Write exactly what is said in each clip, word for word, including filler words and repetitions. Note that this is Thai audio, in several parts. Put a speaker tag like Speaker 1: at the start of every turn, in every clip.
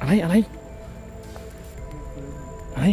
Speaker 1: อะไรอะไรอะไร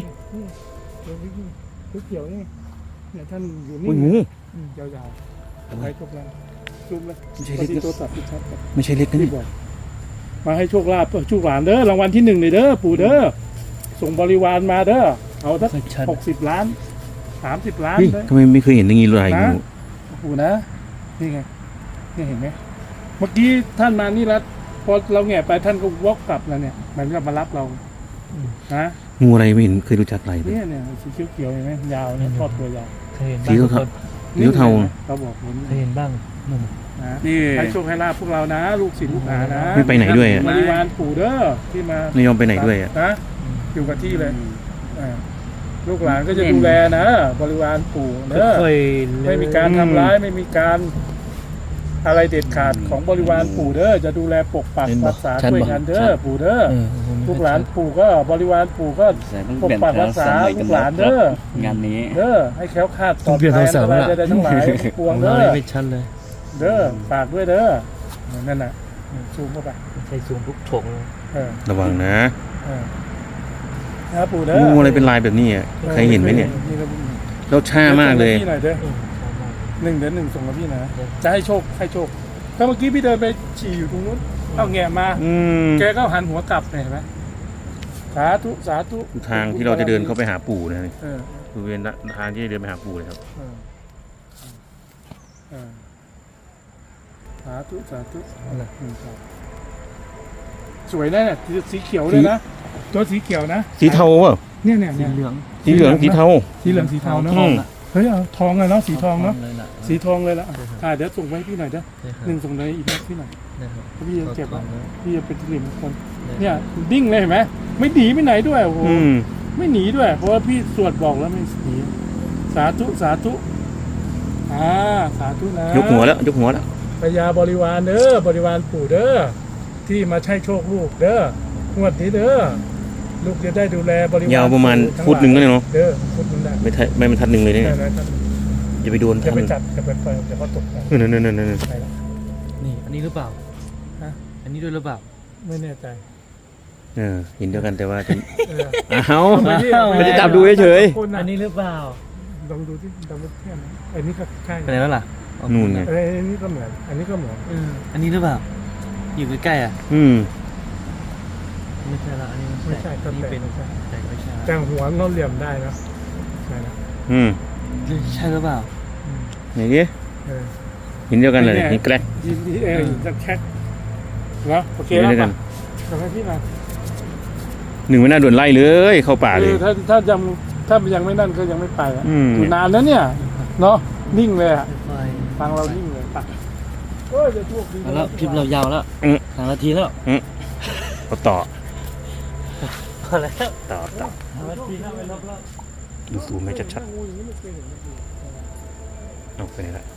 Speaker 2: เขียวนี่เนี่ยท่านอยู่นี่
Speaker 1: โอ้ยงู
Speaker 2: ยาวๆไปทุกแล้วซูมเลย
Speaker 1: ไม่ใช่เล็ก
Speaker 2: ที่ตัวตัดที่ชัด
Speaker 1: ไม่ใช่เล็กนะ
Speaker 2: ที่
Speaker 1: นี่
Speaker 2: บอกมาให้โชคลาภโชคหลานเด้อรางวัลที่หนึ่งเลยเด้อปู่เด้อส่งบริวารมาเด้อเอาสักหกสิบล้านสามสิบล้าน
Speaker 1: เฮ้ย
Speaker 2: เลย
Speaker 1: ทำไมไม่เคยเห็นอย่างนี้เลยงู
Speaker 2: ปู่นะนี่ไงนี่เห็นไหมเมื่อกี้ท่านมานี่แล้วพอเราแง่ไปท่านก็วอกกลับแล้วเนี่ยมันก็มารับเราฮะ
Speaker 1: งูอะไรไม่เห็นเคยรู้จักอะไรเลย
Speaker 2: เนี่ยเนี่ยสีเขียวๆเห็นไหมยาวเนี่ยทอดตัวยาว
Speaker 3: เคยเห็น
Speaker 1: สี
Speaker 3: บ้าง
Speaker 1: เทา
Speaker 3: คน
Speaker 1: สีเทา
Speaker 2: เขาบอกผม
Speaker 3: เคยเห็นบ้างนุ่ม
Speaker 2: นะให้โชคให้ลาภพวกเรานะ ลูกศิษย์ลูกหานะ
Speaker 1: ไม่ไปไหนด้วยอะ
Speaker 2: บริวารปู่เด้อที่มา
Speaker 1: ไม่ยอมไปไหนด้วยอ่ะ
Speaker 2: นะอยู่กับที่เลยอ่าลูกหลานก็จะดูแลนะ บริวารปู่เด้อ
Speaker 3: ค่อยๆ
Speaker 2: ไม่มีการทำร้ายไม่มีการอะไรเด็ดขาดของบริวารปู่เด้อจะดูแลปกปักรักษาช่วยงานเด้อปู่เด้อ
Speaker 3: เออ
Speaker 2: ลูกหลานปู่ก็บริวารปู่ก็ปกปักรักษาลูกหลานเด้อง
Speaker 4: านนี้
Speaker 2: เด้อให้แคล้วคลาดปล
Speaker 3: ต้
Speaker 2: อ
Speaker 3: อง
Speaker 2: ด
Speaker 3: เปลี่ยน
Speaker 2: ภั
Speaker 3: โทรศัพท์
Speaker 2: อะไร
Speaker 3: แล้ว
Speaker 2: ใดๆทั้งหลายทั้งปวง
Speaker 3: เรา
Speaker 2: เด้อ
Speaker 3: ไม่ชัดเลย
Speaker 2: เด้อฝากด้วยเด้อนั่นน่ะซูมเข้าไป
Speaker 3: ใช้ซูมปุ๊บถกเลย
Speaker 2: เออ
Speaker 1: ระวังนะ
Speaker 2: เออนะปู่เด้อ
Speaker 1: งูอะไรเป็นลายแบบนี้อ่ะใครเห็นไหมเนี่ยแล้วช้ามากเลย
Speaker 2: ส่งพี่หน่อยเด้อ
Speaker 3: เออชอบมาก
Speaker 2: หนึ่งเดือนหนึ่งส่งกับพี่นะจะให้โชคให้โชคถ้าเมื่อกี้พี่เดินไปฉี่อยู่ตรงนู้นเอาแง่มา
Speaker 1: อืม
Speaker 2: แกก็หันหัวกลับเนี่ยเห็นไหมสาธุสาธุ
Speaker 1: ทางที่เราจะเดินเข้าไปหาปู่นะ
Speaker 2: เออ
Speaker 1: บริเวณทางที่จะเดินไปหาปู่เลยครับ
Speaker 2: เออเออสาธุสาธุ
Speaker 3: อะไร
Speaker 2: อืมครับสวยนะเนี่ยสีเขียวเลยนะตัวสีเขียวนะ
Speaker 1: สีเทาเปล่า
Speaker 2: เนี่ยเนี่ย
Speaker 3: สี
Speaker 2: เนี่ย
Speaker 3: เหลือง
Speaker 1: สีเหลืองสีเทา
Speaker 2: สีเหลืองสีเทาเนาะ
Speaker 1: อืม
Speaker 2: เฮ้ยเอาทองเลยเนาะสีทองเนาะ
Speaker 3: เลยล่ะ
Speaker 2: สีทองเลยละอ่าเดี๋ยวส่งไปให้พี่หน่อยเด้อ
Speaker 3: ใช่ครับ
Speaker 2: หนึ่งส่งเลยอีกนิดพี่หน่อย
Speaker 3: นะครับ
Speaker 2: พี่จะเก็บไว้
Speaker 3: ทองเลย
Speaker 2: พี่จะเป็นสิริมงคลเนี่ยดิ้งเลยเห็นไหมไม่หนีไปไหนด้วยโอ้โห
Speaker 1: อืม
Speaker 2: ไม่หนีด้วย เพราะว่าพี่สวดบอกแล้วไม่หนีสาธุสาธุอ่าสาธุนะ
Speaker 1: ยกหัวแล้วยกหัวแล้ว
Speaker 2: พญาบริวารเด้อบริวารปู่เด้อที่มาใช้โชคลูกเด้องวดนี้เด้อลูกจะได้ดูแลบริวาร
Speaker 1: ยาวประมาณ
Speaker 2: ทั้
Speaker 1: ฟุตหนึ่งก็ได้เนาะ
Speaker 2: เด้อฟุตหนึงได้
Speaker 1: ไม่ทัดไม่บรรทัดหนึ่งเลยเนี่ย
Speaker 2: ได้ได้ครับ
Speaker 1: อย่าไปโดน
Speaker 2: จะ
Speaker 1: ท่าน
Speaker 2: ไปจับจะไปเปิดเดี๋ยวเขาตกกัน
Speaker 1: นั่นนั่นนั่นนั่น
Speaker 2: ไปละ
Speaker 3: นี่อันนี้หรือเปล่า
Speaker 2: ฮะ
Speaker 3: อันนี้ด้วยหรือเปล่า
Speaker 2: ไม่แน่ใจ
Speaker 1: เออเห็นเดียวกันแต่ว่าจะ
Speaker 2: เออ
Speaker 1: อ้าว
Speaker 2: เอาไปดิเอาไป
Speaker 1: ไม่
Speaker 2: ดิ
Speaker 1: ได้จับดูเฉย
Speaker 2: คน
Speaker 3: อั
Speaker 2: น่ะ
Speaker 3: นนี้หรือเปล่า
Speaker 2: ลองดูที่ลองดูเทียบนะอันนี้ก็ใช่
Speaker 3: ไปไหนแล้วล่ะ
Speaker 1: นู่นไง
Speaker 2: เอ้ยอันนี้ก็เหมือน อันนี้ก็เหมือน
Speaker 3: เอออันนี้หรือเปล่า อยู่ใกล้ๆอ่ะ
Speaker 1: อืม
Speaker 3: ไม่ใช่ละอันนี้
Speaker 2: ไม่ใช่ก็
Speaker 3: อันนี้
Speaker 2: แต่
Speaker 3: เป็น
Speaker 2: ไม่ใช่
Speaker 3: แต่ไม่ใช่
Speaker 2: แต่หัวเราเหลี่ยมได้นะใช่นะ
Speaker 1: อืม
Speaker 3: ใช่หรือเปล่า
Speaker 2: อืม
Speaker 1: ไหนดิ
Speaker 2: เออ
Speaker 1: เห็นเดียวกันเลยเห็นแกลก
Speaker 2: ยินดีเออจะแคกเนาะโอเค
Speaker 1: เห็น
Speaker 2: แล้ว
Speaker 1: เดียวกั
Speaker 2: ป่ะ
Speaker 1: น
Speaker 2: ทำให้พี่มา
Speaker 1: หนึ่งไม่น่าด่วนไล่เลยเข้าป่าเลย
Speaker 2: คือถ้าถ้ายังถ้ายังไม่นั่นก็ยังไม่ไปอ่ะ
Speaker 1: อืม
Speaker 2: อยู่นานแล้วเนี่ยเนาะนิ่งเลยอ่ะ
Speaker 3: ไฟ
Speaker 2: ฟังเรานิ่งเลยป่ะเอ้ยจะโชคดี
Speaker 3: เอาแล้วคลิปเรายาวแล้ว
Speaker 1: อืม
Speaker 3: สามนาทีแล้ว
Speaker 1: ก็ต่อ
Speaker 3: พอแล้ว
Speaker 1: ต่อต่อ
Speaker 3: สามนาทีแล้วไปรอบ
Speaker 1: ดูซูมให้ชัด
Speaker 2: งูอย่างนี้ไม่เคยเห็นเลย
Speaker 1: ๆเอาไปไหนละ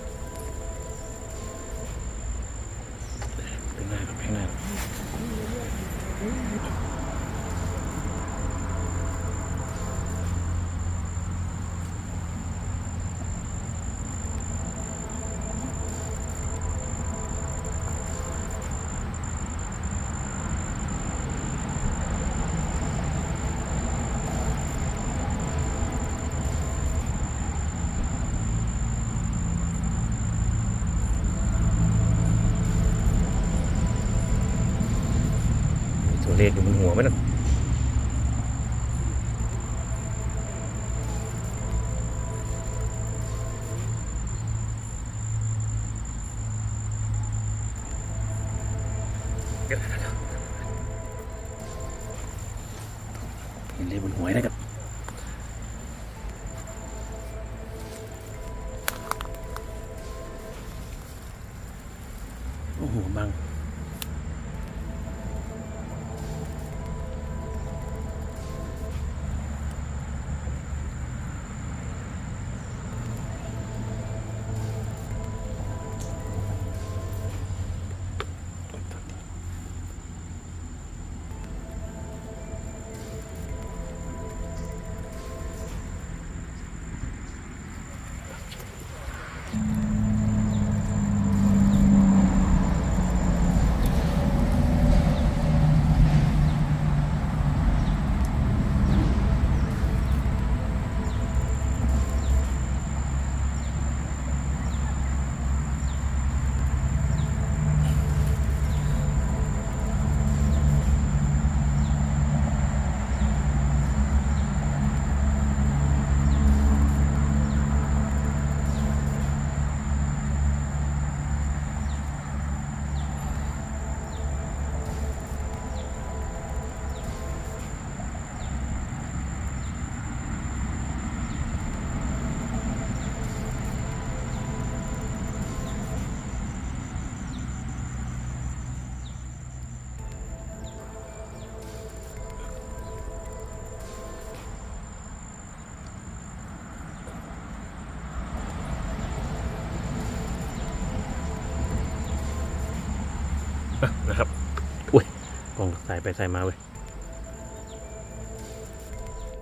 Speaker 1: ไปหน้าไปหน้าตัวเลขอยู่บนหัวไหมน่ะเห็นเลขบนหัวนะครับโอ้โหบังายไปสายมาเว้ย